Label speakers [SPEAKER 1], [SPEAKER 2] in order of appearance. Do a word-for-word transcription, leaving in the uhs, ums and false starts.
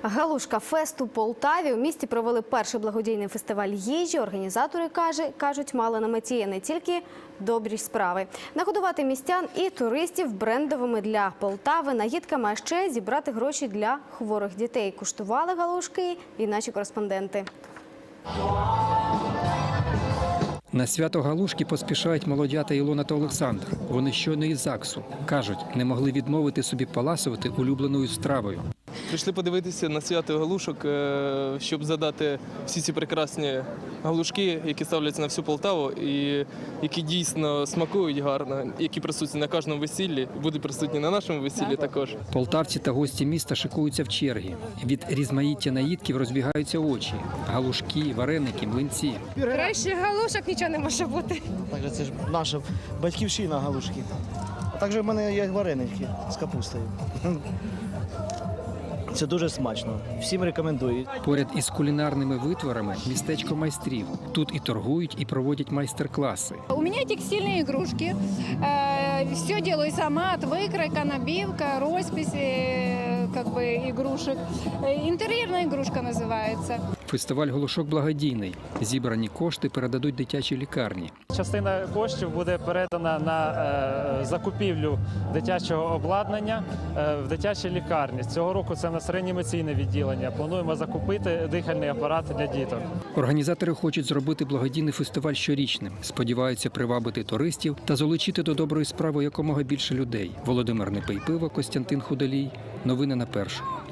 [SPEAKER 1] Галушка фест у Полтаві. У місті провели перший благодійний фестиваль їжі. Організатори, каже, кажуть, мали на меті не тільки добрі справи. Нагодувати містян і туристів брендовими для Полтави наїдками, а ще зібрати гроші для хворих дітей. Куштували галушки і наші кореспонденти.
[SPEAKER 2] На свято галушки поспішають молодята Ілона та Олександр. Вони щойно із ЗАГСу. Кажуть, не могли відмовити собі поласувати улюбленою стравою.
[SPEAKER 3] Прийшли подивитися на свято галушок, щоб задати всі ці прекрасні галушки, які ставляться на всю Полтаву і які дійсно смакують гарно, які присутні на кожному весіллі, будуть присутні на нашому весіллі також.
[SPEAKER 2] Полтавці та гості міста шикуються в черги. Від різноманіття наїдків розбігаються очі. Галушки, вареники, млинці.
[SPEAKER 4] Краще галушок нічого не може бути.
[SPEAKER 5] Так, це ж наша батьківщина галушки. А також в мене є вареники з капустою. Це дуже смачно. Всім рекомендую.
[SPEAKER 2] Поряд із кулінарними витворами – містечко майстрів. Тут і торгують, і проводять майстер-класи.
[SPEAKER 4] У мене текстильні ігрушки. Все делаю сама, викройка, набивка, розпись как бы, ігрушек. Інтер'єрна ігрушка називається.
[SPEAKER 2] Фестиваль галушок благодійний. Зібрані кошти передадуть дитячій лікарні.
[SPEAKER 6] Частина коштів буде передана на е, закупівлю дитячого обладнання е, в дитячій лікарні. Цього року це на реанімаційне відділення. Плануємо закупити дихальний апарат для діток.
[SPEAKER 2] Організатори хочуть зробити благодійний фестиваль щорічним. Сподіваються привабити туристів та залучити до доброї справи якомога більше людей. Володимир Непейпиво, Костянтин Худолій. Новини на першому.